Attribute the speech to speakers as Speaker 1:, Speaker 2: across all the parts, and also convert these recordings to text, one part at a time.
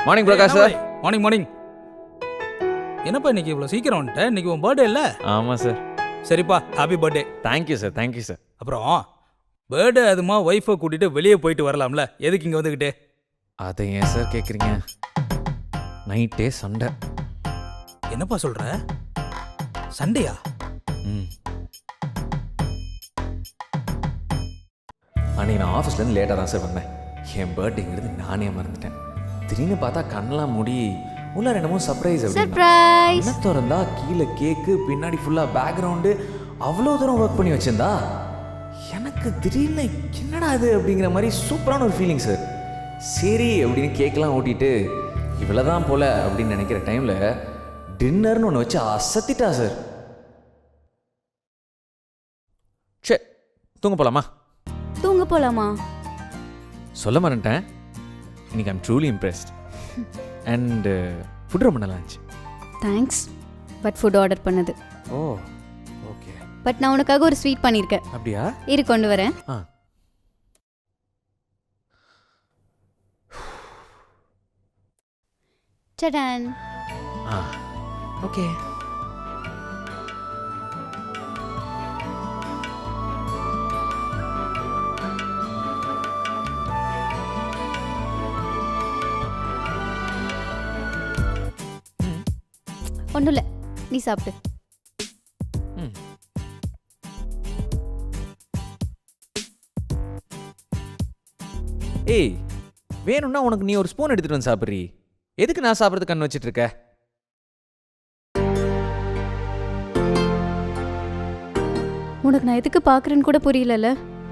Speaker 1: Morning Prakash sir.
Speaker 2: Morning morning. என்னப்பா இன்னைக்கு இவ்வளோ சீக்கிரம் வந்துட்டேன்? இன்னைக்கு உன் பர்த்டே இல்லை?
Speaker 1: ஆமாம் சார்.
Speaker 2: சரிப்பா, happy birthday.
Speaker 1: Thank you sir, thank you sir.
Speaker 2: அப்புறம் பர்த்டே அதுமா ஒய்ஃபை கூட்டிட்டு வெளியே போயிட்டு வரலாம்ல, எதுக்கு இங்கே வந்துக்கிட்டு?
Speaker 1: அதை ஏன் சார் கேட்குறீங்க? நைட்டே சண்டை.
Speaker 2: என்னப்பா சொல்ற? சண்டையா?
Speaker 1: ம். அன்னைக்கு நான் ஆஃபீஸ்லேருந்து லேட்டாக தான் சார் வந்தேன். என் பர்த்டேங்கிறது நானே மறந்துட்டேன். திடீர்னு பார்த்தா கண்ணெல்லாம் மூடி உள்ள ரெண்டமும் சர்ப்ரைஸ்.
Speaker 3: சர்ப்ரைஸ்.
Speaker 1: என்ன திறந்தா கீழே கேக்கு, பின்னாடி ஃபுல்லாக பேக்ரவுண்டு, அவ்வளோ தூரம் ஒர்க் பண்ணி வச்சிருந்தா எனக்கு திடீர்னு என்னடா இது அப்படிங்கிற மாதிரி சூப்பரான ஒரு ஃபீலிங் சார். சரி அப்படின்னு கேக்கெலாம் ஓட்டிட்டு இவ்வளோதான் போல அப்படின்னு நினைக்கிற டைமில் டின்னர்னு ஒன்று வச்சு அசத்திட்டா சார். சே, தூங்க போகலாமா?
Speaker 3: தூங்க போலாமா?
Speaker 1: சொல்ல மறந்துட்டேன், இன்னைக்கு I'm truly impressed. And food ரொம்ப நல்லா இருந்துச்சு.
Speaker 3: தேங்க்ஸ். பட் ஃபுட் ஆர்டர் பண்ணது.
Speaker 1: ஓ ஓகே.
Speaker 3: பட் நான் உனக்காக ஒரு ஸ்வீட் பண்ணியிருக்கேன்.
Speaker 1: அப்படியா?
Speaker 3: இரு கொண்டு வரேன்.
Speaker 1: ஆ.
Speaker 3: சடன்.
Speaker 1: ஆ ஓகே.
Speaker 3: ஒன்றும் இல்லை, நீ சாப்பிட்டு.
Speaker 1: ம். ஏய், வேணும்னா உனக்கு நீ ஒரு ஸ்பூன் எடுத்துட்டு வந்து சாப்பிட்றீ. எதுக்கு நான் சாப்பிட்றது கண் வச்சிட்டு இருக்க?
Speaker 3: உனக்கு நான் எதுக்கு பார்க்குறேன்னு கூட புரியலல்ல.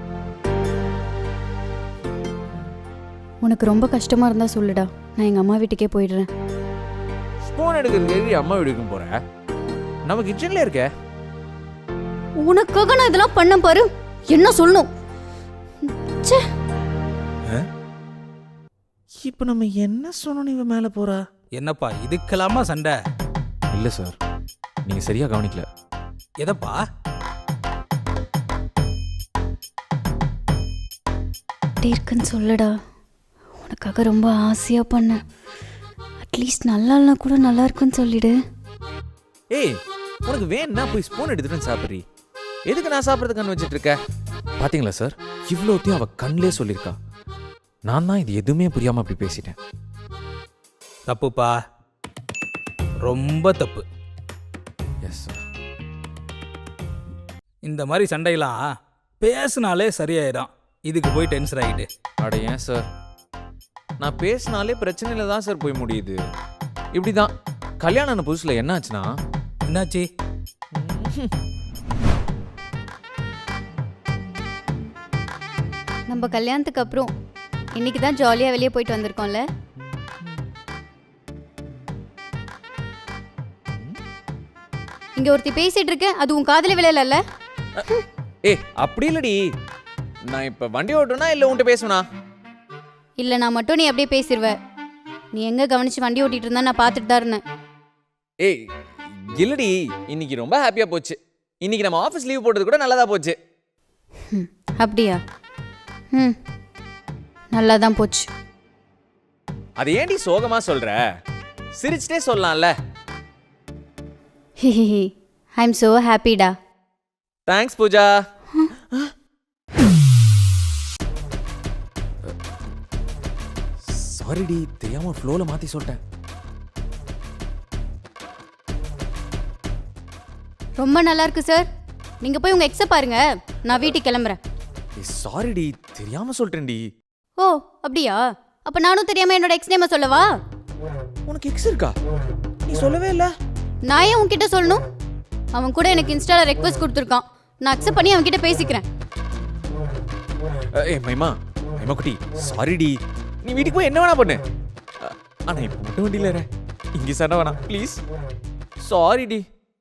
Speaker 3: உனக்கு ரொம்ப கஷ்டமாக இருந்தால் சொல்லுடா, நான் எங்கள் அம்மா வீட்டுக்கே போயிடுறேன்.
Speaker 1: ஸ்பூன் எடுக்கிறதுக்கு அம்மா வீட்டுக்கும் போற? நம்ம கிச்சன்ல இருக்க.
Speaker 3: உனக்காக நான் இதெல்லாம் பண்ண பாரு. என்ன சொல்லணும்? ச்சே.
Speaker 1: இப்போ நம்ம என்ன சொன்னோம் இவ மேலே போறா?
Speaker 2: என்னப்பா இதுக்கெல்லாமா சண்டை?
Speaker 1: இல்லை சார், நீங்க சரியா கவனிக்கல.
Speaker 2: எதப்பா?
Speaker 3: அப்படி இருக்குன்னு சொல்லுடா. உனக்காக ரொம்ப ஆசையாக பண்ணேன். அட்லீஸ்ட் நல்லா இல்லைனா கூட நல்லா இருக்குன்னு சொல்லிடு.
Speaker 1: ஏய், உனக்கு வேணும்னா போய் ஸ்பூன் எடுத்துட்டு வந்து சாப்பிட்றீ. எதுக்கு நான் சாப்பிட்றது கண் வச்சிட்டு இருக்க? பாத்தீங்களா சார், இவ்வளோத்தையும் அவ கண்ணிலே சொல்லியிருக்கா. நான் தான் இது எதுவுமே புரியாம அப்படி பேசிட்டேன்.
Speaker 2: தப்புப்பா, ரொம்ப தப்பு.
Speaker 1: Yes sir.
Speaker 2: இந்த மாதிரி சண்டையெல்லாம் பேசினாலே சரியாயிடும். இதுக்கு போய் டென்ஷன் ஆகிட்டு.
Speaker 1: அட ஏன் சார், நான் பேசினாலே பிரச்சனையில தான் சார் போய் முடியுது. இப்படிதான் கல்யாணம் ஆன புதுசுல என்ன ஆச்சுன்னா.
Speaker 2: என்னாச்சு?
Speaker 3: நம்ம கல்யாணத்துக்கு அப்புறம் இன்னைக்கு தான் ஜாலியாக வெளியே போயிட்டு வந்திருக்கோம்ல. இங்க ஒருத்தி பேசிட்டு இருக்க, அது உன் காதல விளையல.
Speaker 1: ஏய் அப்படி இல்லடி, நான் இப்ப வண்டி ஓட்டுனா இல்ல உன்கிட்ட பேசுவனா?
Speaker 3: இல்ல, நான் மட்டும் நீ அப்படியே பேசிடுவ. நீ எங்க கவனிச்சு வண்டி ஓட்டிட்டு இருந்தா நான் பார்த்துட்டு தான் இருந்தேன்.
Speaker 1: ஏய் இல்லடி, இன்னைக்கு ரொம்ப ஹாப்பியா போச்சு. இன்னைக்கு நம்ம ஆஃபீஸ் லீவ் போட்டது கூட நல்லதா போச்சு.
Speaker 3: அப்படியா? நல்லா தான் போச்சு.
Speaker 1: அது ஏன்டி சோகமா சொல்ற? சிரிச்சிட்டே சொல்லலாம்ல.
Speaker 3: ஐ எம் சோ ஹாப்பிடா.
Speaker 1: தேங்க்ஸ் பூஜா. சாரிடி, தெரியாம ஃப்ளோல மாத்தி சொல்லிட்டேன்.
Speaker 3: ரொம்ப நல்லா இருக்கு சார். நீங்க போய் உங்க எக்ஸ பாருங்க, நான் வீட்டுக்கு கிளம்புறேன்.
Speaker 1: சாரிடி, தெரியாம சொல்லிட்டேன்டி.
Speaker 3: ஓ அப்படியா? அப்ப நானும் தெரியாம என்னோட எக்ஸ் நேம சொல்லவா?
Speaker 1: உனக்கு எக்ஸ் இருக்கா? நீ சொல்லவே இல்ல.
Speaker 3: நான் ஏன் உன்கிட்ட சொல்லணும்? அவன் கூட எனக்கு இன்ஸ்டால ரெக்வெஸ்ட் கொடுத்துருக்கான். நான் அக்செப்ட் பண்ணி அவன் கிட்ட பேசிக்கிறேன்.
Speaker 1: ஏய் மைமா, மைமா குட்டி, சாரிடி. நீ வீட்டுக்கு போய் என்ன வேணா பண்ணு. ஆனா இப்ப மட்டும் வண்டியில இரு. இங்க சண்டை வேணாம் ப்ளீஸ். சாரிடி.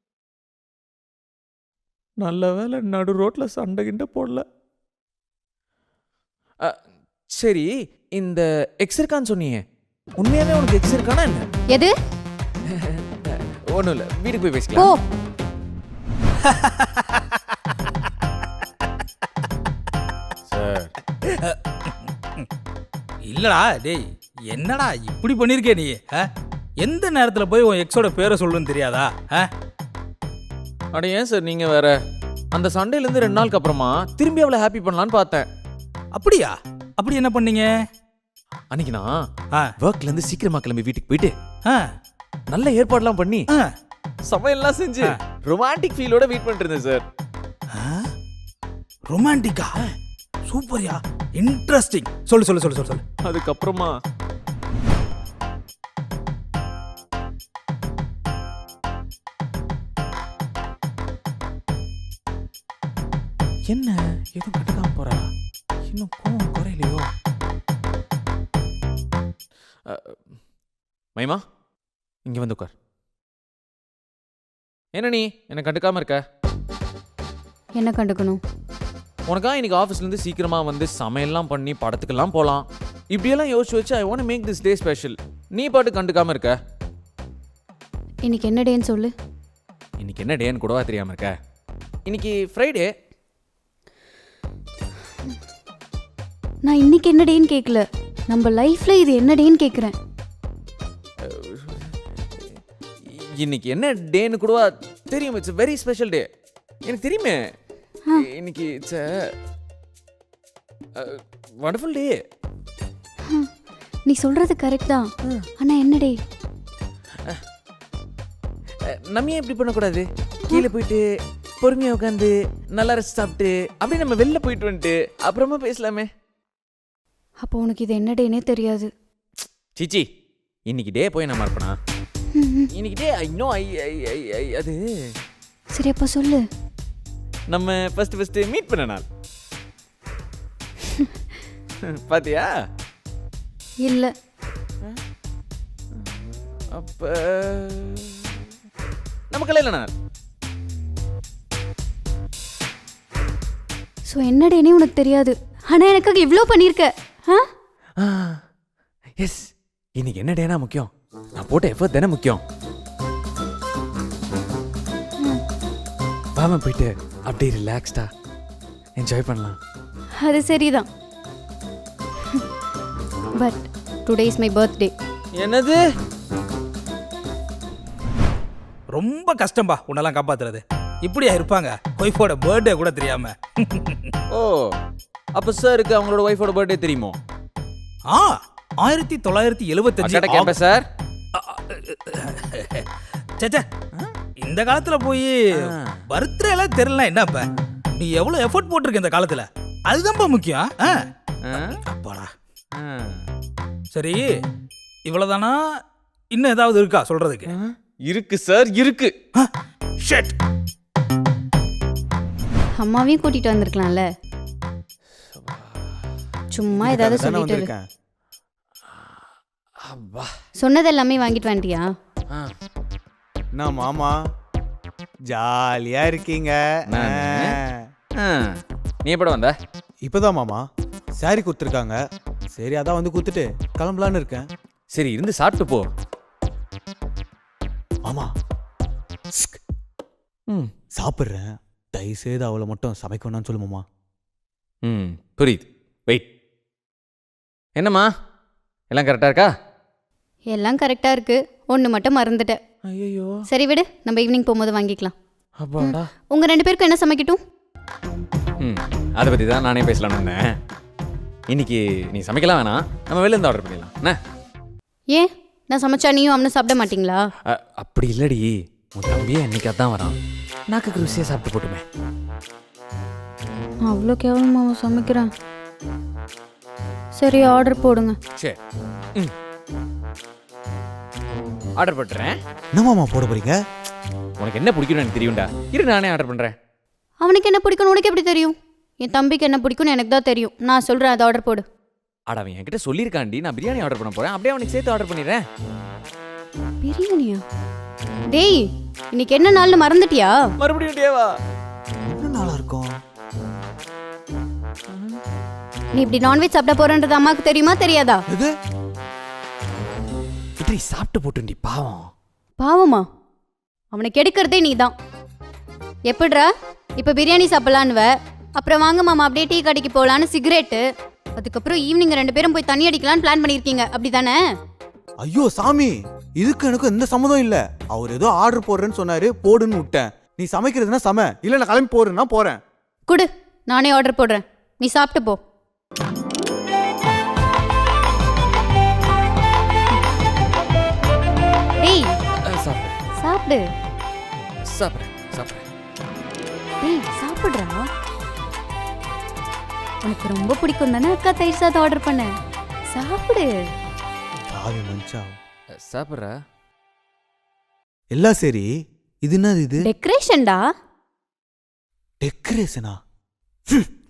Speaker 1: நல்ல வேலை நடு ரோட்ல சண்டை கிண்ட போடல. சரி, இந்த எக்ஸ் இருக்கான்னு சொன்னீங்க, உண்மையாவே உனக்கு எக்ஸ் இருக்கானா என்ன?
Speaker 3: எது?
Speaker 1: ஒண்ணும் இல்ல, வீட்டுக்கு போய்
Speaker 3: போ.
Speaker 1: பேசிக்கலாம். சார்
Speaker 2: இல்லடா டேய், என்னடா இப்படி பண்ணிருக்கே நீ? எந்த நேரத்துல போய் உன் எக்ஸோட பேரை சொல்லுன்னு தெரியாதா?
Speaker 1: அட ஏன் சார் நீங்கள் வேற அந்த சண்டேலேருந்து 2 நாளுக்கு அப்புறமா திரும்பி அவளை ஹாப்பி பண்ணலான்னு பார்த்தேன்.
Speaker 2: அப்படியா? அப்படி என்ன பண்ணீங்க?
Speaker 1: அன்னைக்கு நான்
Speaker 2: ஆ,
Speaker 1: ஒர்க்லேருந்து சீக்கிரமா கிளம்பி வீட்டுக்கு போயிட்டு
Speaker 2: ஆ,
Speaker 1: நல்ல ஏற்பாடுலாம் பண்ணி
Speaker 2: ஆ.
Speaker 1: சமையல்லாம் செஞ்சு ரொமான்டிக் ஃபீலோட வெயிட் பண்ணிட்டு இருந்தேன் சார்.
Speaker 2: ரொமான்டிக்கா? சூப்பர்யா, இன்ட்ரெஸ்டிங். சொல்லு சொல்லு சொல்லு சொல்லு சொல்லு.
Speaker 1: அதுக்கப்புறமா என்ன எதுவும் கட்டுக்காம போறா? இன்னும் கோவம் குறையிலையோ? மைமா இங்க வந்து உட்கார். என்ன நீ என்ன கண்டுக்காம இருக்க?
Speaker 3: என்ன கண்டுக்கணும்?
Speaker 1: உனக்கா இன்னைக்கு ஆஃபீஸ்லேருந்து சீக்கிரமா வந்து சமையல்லாம் பண்ணி படத்துக்கெல்லாம் போகலாம். இப்படியெல்லாம் யோசிச்சு வச்சு I want make this day special. நீ பாட்டு கண்டுக்காம இருக்க.
Speaker 3: இன்னைக்கு என்ன டேன்னு சொல்லு.
Speaker 1: இன்னைக்கு என்ன டேன்னு கூடவா தெரியாம இருக்க? இன்னைக்கு ஃப்ரைடே.
Speaker 3: நான் இன்னைக்கு என்ன டேன்னு கேட்கல, நம்ம லைஃப்ல இது என்ன டேன்னு கேட்குறேன்.
Speaker 1: இன்னைக்கு என்ன டேன்னு கூடவா தெரியும்? It's very special day. எனக்கு தெரியுமே. இன்னைக்கு இட்ஸ் வண்டர்ஃபுல் டே.
Speaker 3: நீ சொல்றது கரெக்ட் தான், ஆனா என்ன டே?
Speaker 1: நம்ம ஏன் இப்படி பண்ணக்கூடாது? கீழே போயிட்டு பொறுமையாக உட்காந்து நல்லா ரசிச்சு சாப்பிட்டு அப்படியே நம்ம வெளில போயிட்டு வந்துட்டு அப்புறமா பேசலாமே.
Speaker 3: அப்போ உனக்கு இது என்ன டேனே தெரியாது.
Speaker 1: சிச்சி, இன்னைக்கு டே போய் நான் மறப்பனா? இன்னைக்கு டே ஐ நோ ஐ அது
Speaker 3: சரி அப்போ சொல்லு.
Speaker 1: நம்ம ஃபர்ஸ்ட் மீட் பண்ண நாள். பாத்தியா?
Speaker 3: இல்ல.
Speaker 1: அப்ப நம்ம கல்யாண நாள்.
Speaker 3: ஸோ என்ன டேனே உனக்கு தெரியாது, ஆனா எனக்காக இவ்வளோ பண்ணியிருக்க.
Speaker 1: எஸ், இன்னைக்கு என்ன டேனா முக்கியம்? நான் போட்ட எஃபர்ட் தானே முக்கியம். வாம போயிட்டு அப்படியே ரிலாக்ஸ்டா என்ஜாய் பண்ணலாம்.
Speaker 3: அது சரிதான், but today is my birthday.
Speaker 1: என்னது?
Speaker 2: ரொம்ப கஷ்டம்பா உன்னெல்லாம் காப்பாத்துறது. இப்படியா இருப்பாங்க ஒய்ஃபோட பர்த்டே கூட தெரியாம?
Speaker 1: ஓ, அப்ப சாருக்கு அவங்களோட ஒய்ஃபோட பர்த்டே தெரியுமோ?
Speaker 2: ஆ, 1975.
Speaker 1: Campus sir.
Speaker 2: சேச்சே, இந்த காலத்துல போய் பர்த்டே எல்லாம் தெரியல. என்னப்ப நீ எவ்வளவு எஃபோர்ட் போட்டிருக்க இந்த காலத்துல, அதுதான்ப்பா முக்கியம். அப்பாடா. சரி, இவ்வளவுதானா? இன்னும் ஏதாவது இருக்கா சொல்றதுக்கு?
Speaker 1: இருக்கு சார், இருக்கு.
Speaker 2: ஷிட்.
Speaker 3: அம்மாவையும் கூட்டிட்டு வந்திருக்கலாம்ல. சும்மா ஏதாவது சொல்லிட்டு இரு. சொன்னது எல்லாமே வாங்கிட்டு வந்துட்டியா?
Speaker 4: நான் மாமா ஜாலியா இருக்கீங்க.
Speaker 1: நீ எப்பட வந்த?
Speaker 4: இப்பதான் மாமா சாரி கொடுத்துருக்காங்க. சரி அதான் வந்து கொடுத்துட்டு கிளம்பலான்னு இருக்கேன்.
Speaker 1: சரி இருந்து சாப்பிட்டு போ.
Speaker 4: மாமா சாப்பிட்றேன், தயவுசெய்து அவளை மட்டும் சமைக்கணும்னு சொல்லு மாமா.
Speaker 1: புரியுது. வெயிட். என்னம்மா எல்லாம் கரெக்டா இருக்கா?
Speaker 3: எல்லாம் கரெக்டா இருக்கு, ஒன்று மட்டும் மறந்துட்டேன்.
Speaker 1: ஐயோ.
Speaker 3: சரி விடு, நம்ம ஈவினிங் போகும்போது வாங்கிக்கலாம்.
Speaker 1: அப்பாடா.
Speaker 3: உங்க 2 பேருக்கும் என்ன சமைக்கட்டும்?
Speaker 1: அதை பற்றி தான் நானே பேசலாம்னு இருந்தேன். இன்னைக்கு நீ சமைக்கலாம் வேணாம், நம்ம வெளில இருந்து ஆர்டர் பண்ணிடலாம். என்ன?
Speaker 3: ஏன் நான் சமைச்சா நீயும் அவனும் சாப்பிட மாட்டீங்களா?
Speaker 1: அப்படி இல்லடி, உன் தம்பியே என்னைக்கு அதான் வரான், நாக்கு ருசியாக சாப்பிட்டு போட்டுமே.
Speaker 3: அவ்வளோ கேவலமா அவன் சமைக்கிறான். சரி ஆர்டர் போடுங்க.
Speaker 1: சரி, ஆர்டர் பண்ணுறேன்.
Speaker 4: என்ன மாமா போட போறீங்க?
Speaker 1: உனக்கு என்ன பிடிக்கும்னு எனக்கு தெரியும்டா. இரு நானே ஆர்டர் பண்ணுறேன்.
Speaker 3: அவனுக்கு என்ன பிடிக்கும்னு உனக்கு எப்படி தெரியும்? என் தம்பிக்கு என்ன பிடிக்கும்னு எனக்கு தான் தெரியும். நான் சொல்கிறேன், அதை ஆர்டர் போடு.
Speaker 1: ஆடா, அவன் என்கிட்ட சொல்லியிருக்காண்டி, நான் பிரியாணி ஆர்டர் பண்ண போகிறேன். அப்படியே அவனுக்கு சேர்த்து ஆர்டர் பண்ணிடுறேன்.
Speaker 3: பிரியாணியா? டேய், இன்னைக்கு என்ன நாள்னு மறந்துட்டியா?
Speaker 1: மறுபடியும் டேவா?
Speaker 4: என்ன நாளா இருக்கும்?
Speaker 3: நீ இப்படி நான்வெஜ் சாப்பிட போறன்றது அம்மாவுக்கு தெரியுமா தெரியாதா?
Speaker 4: எது?
Speaker 1: இப்படி சாப்பிட்டு போட்டுண்டி, பாவம்.
Speaker 3: பாவமா? அவனை கெடுக்கிறதே நீ தான். எப்படிரா இப்போ பிரியாணி சாப்பிடலான்னுவ, அப்புறம் வாங்க மாமா அப்படியே டீ கடைக்கு போகலான்னு சிகரெட்டு. அதுக்கப்புறம் ஈவினிங் 2 பேரும் போய் தண்ணி அடிக்கலாம்னு பிளான் பண்ணியிருக்கீங்க அப்படிதானே?
Speaker 4: ஐயோ சாமி, இதுக்கு எனக்கு எந்த சம்மதம் இல்ல. அவர் ஏதோ ஆர்டர் போடுறேன்னு சொன்னாரு, போடுன்னு விட்டேன். நீ சமைக்கிறதுனா சம, இல்ல நான் கிளம்பி போறேன்னா போறேன்.
Speaker 3: குடு, நானே ஆர்டர் போடுறேன், நீ சாப்பிட்டு போ. ஏய்
Speaker 1: சாப்பிட்றேன்
Speaker 3: சாப்பிடு.
Speaker 1: சாப்பிட்றேன் சாப்பிட்றேன்.
Speaker 3: ஏய் சாப்பிடுறா. உனக்கு ரொம்ப பிடிக்கும் தானே அக்கா தயிர் சாதம் ஆர்டர் பண்ண. சாப்பிடு.
Speaker 4: சாவி மஞ்சா.
Speaker 1: சாப்பிட்றா.
Speaker 4: எல்லாம் சரி, இது என்னது இது?
Speaker 3: டெக்கரேஷன்டா.
Speaker 4: டெக்கரேஷனா?